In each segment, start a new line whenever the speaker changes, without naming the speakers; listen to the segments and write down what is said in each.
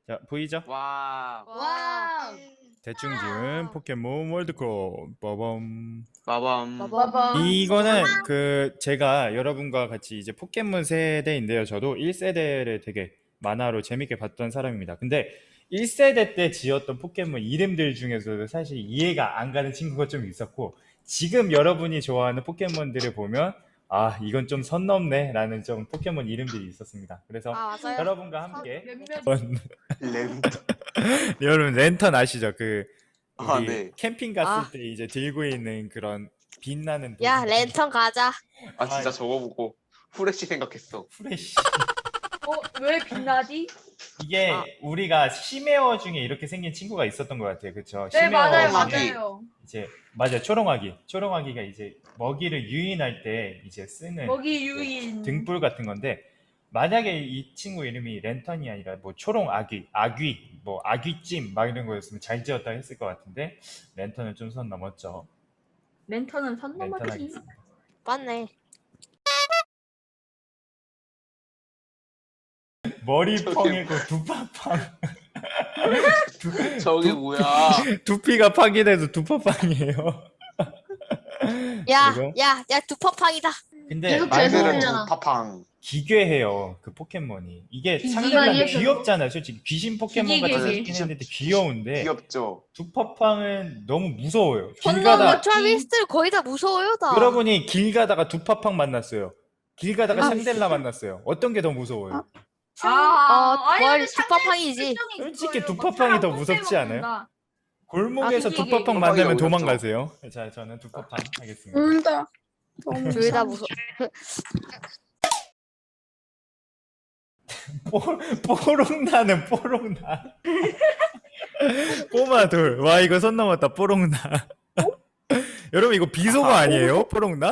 자, 보이죠?
와.
와.
대충 지은 포켓몬 월드컵. 빠밤.
빠밤.
빠밤.
이거는 제가 여러분과 같이 이제 포켓몬 세대인데요. 저도 1세대를 되게 만화로 재밌게 봤던 사람입니다. 근데 1세대 때 지었던 포켓몬 이름들 중에서도 사실 이해가 안 가는 친구가 좀 있었고, 지금 여러분이 좋아하는 포켓몬들을 보면 아, 이건 좀 선 넘네 라는 좀 포켓몬 이름들이 있었습니다. 그래서
맞아요.
여러분과 함께
렌.
여러분 랜턴 아시죠?
아,
우리
네.
캠핑 갔을 때 이제 들고 있는 그런 빛나는
야,
도구.
랜턴 가자.
아, 진짜 저거 보고 후레쉬 생각했어.
프레쉬.
왜 빛나지?
이게 우리가 심해어 중에 이렇게 생긴 친구가 있었던 것 같아요. 그렇죠?
네, 맞아요,
맞아요.
맞아요.
이제 맞아, 초롱아기가 이제 먹이를 유인할 때 이제 쓰는
먹이 유인.
등불 같은 건데, 만약에 이 친구 이름이 랜턴이 아니라 뭐 초롱아기, 아귀, 뭐 아귀찜 막 이런 거였으면 잘 지었다 했을 것 같은데, 랜턴은 좀 선 넘었죠.
랜턴은 선
랜턴
넘었지.
하겠습니다.
맞네.
머리
저기-
펑이고 두파팡.
저게 뭐야?
두피가 파괴돼도 두파팡이에요.
야,
그리고?
야, 야, 두퍼팡이다.
근데
계속
말들은
들리잖아.
파팡.
기괴해요, 그 포켓몬이. 이게
기괴해요.
상대방이 귀엽잖아요. 솔직히 귀신 포켓몬 같이
기괴해.
생긴 했는데 귀여운데,
귀엽죠.
두파팡은 너무 무서워요. 길
선
가다
넘어.
트라비스들 거의 다 무서워요, 다.
여러분이 길 가다가 두파팡 만났어요. 길 가다가 샹델라 만났어요. 어떤 게 더 무서워요?
뭘 두퍼팡이지.
솔직히 두파팡이 더 무섭지 않아요? 골목에서
아,
두파팡
두파팡이
만나면
어렵죠.
도망가세요. 자, 저는 두파팡 하겠습니다.
운다.
둘 다 무서워.
뽀롱나는 뽀롱나. 꼬마돌. 와, 이거 선 넘었다. 뽀롱나. 여러분, 이거 비속어 아니에요? 뽀롱나?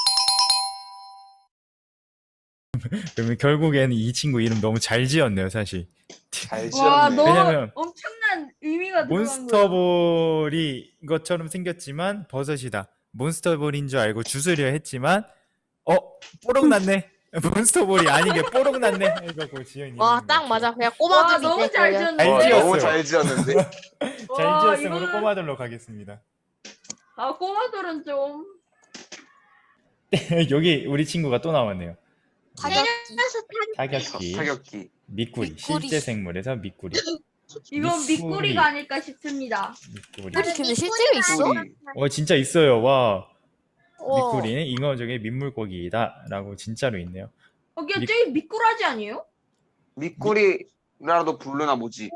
그러면 결국에는 이 친구 이름 너무 잘 지었네요, 사실.
잘
와,
지었네.
너무
왜냐면
엄청난 의미가 들어간 거야.
몬스터볼이 것처럼 생겼지만 버섯이다. 몬스터볼인 줄 알고 주스려 했지만 뽀록 났네. 몬스터볼이 아닌 게 뽀록 났네. 이거 지은
와,
이름인
딱
것
맞아.
같아요.
그냥
와,
꼬마들
너무
밑에
잘
걸려.
지었네.
잘
와,
지었어요.
너무 잘 지었는데.
잘
와,
지었으므로
이거는-
꼬마들로 가겠습니다.
아, 꼬마들은 좀.
여기 우리 친구가 또 나왔네요.
타격기.
타격기,
타격기.
미꾸리,
미꾸리.
실제 생물에서 미꾸리.
이건
미꾸리.
미꾸리가 아닐까 싶습니다.
미꾸리.
우리 근데 실제로 있어?
우리
진짜 있어요. 와,
어.
미꾸리는 잉어족의 민물고기이다라고 진짜로 있네요.
저기 저기 미꾸라지 아니에요?
미꾸리라도 부르나 보지.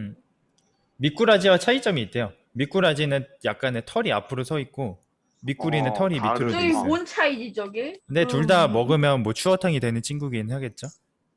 미꾸라지와 차이점이 있대요. 미꾸라지는 약간의 털이 앞으로 서 있고, 미꾸리는 털이 밑으로 돼
저기
있어요.
뭔 차이지 저게?
근데 둘 다 먹으면 뭐 추어탕이 되는 친구긴 하겠죠.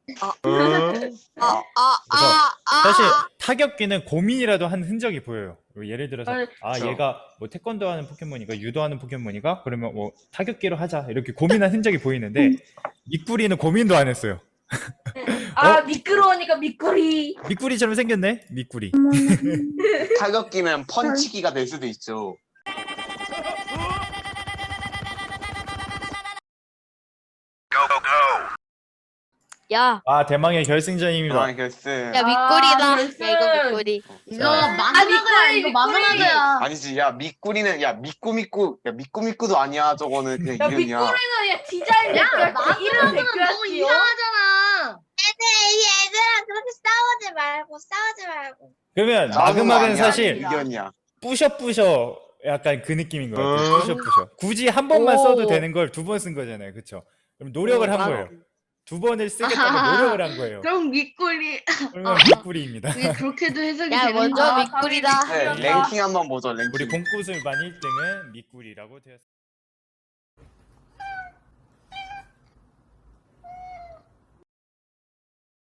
사실 타격기는 고민이라도 한 흔적이 보여요. 예를 들어서
그렇죠.
얘가 뭐 태권도 하는 포켓몬이가 유도하는 포켓몬이가 그러면 뭐 타격기로 하자 이렇게 고민한 흔적이 보이는데, 미꾸리는 고민도 안 했어요.
미끄러우니까 미꾸리.
미꾸리처럼 생겼네. 미꾸리.
타격기는 펀치기가 될 수도 있죠.
야,
대망의 결승전입니다.
대망의 결승.
야 미꾸리다.
결승.
야 이거 미꾸리.
이거 마그마그야. 이거 마그마그야.
아니지, 야 미꾸리는 야 미꾸미꾸도 아니야. 저거는 그냥
야
이름이야.
미꾸리는 야 디자인
야,
바뀌었지. 이름
마그마그는 너무
바뀌었지요.
이상하잖아.
얘들아 그렇게 싸우지 말고
그러면
싸우는 거
마그마그는
아니야,
사실
이견이야.
뿌셔뿌셔 약간 그 느낌인 것 같아요.
어?
뿌셔뿌셔. 굳이 한 번만
오.
써도 되는 걸 두 번 쓴 거잖아요. 그렇죠? 그럼 노력을 한 거예요. 두 번을 쓰겠다고 노력을 한 거예요.
그럼 미꾸리.
그러면 미꾸리입니다.
그게 그렇게도 해석이
야
되는
먼저
아,
미꾸리다.
네, 랭킹 한번 보죠. 랭킹.
우리 공구슬반 1등은 미꾸리라고 되었습니다.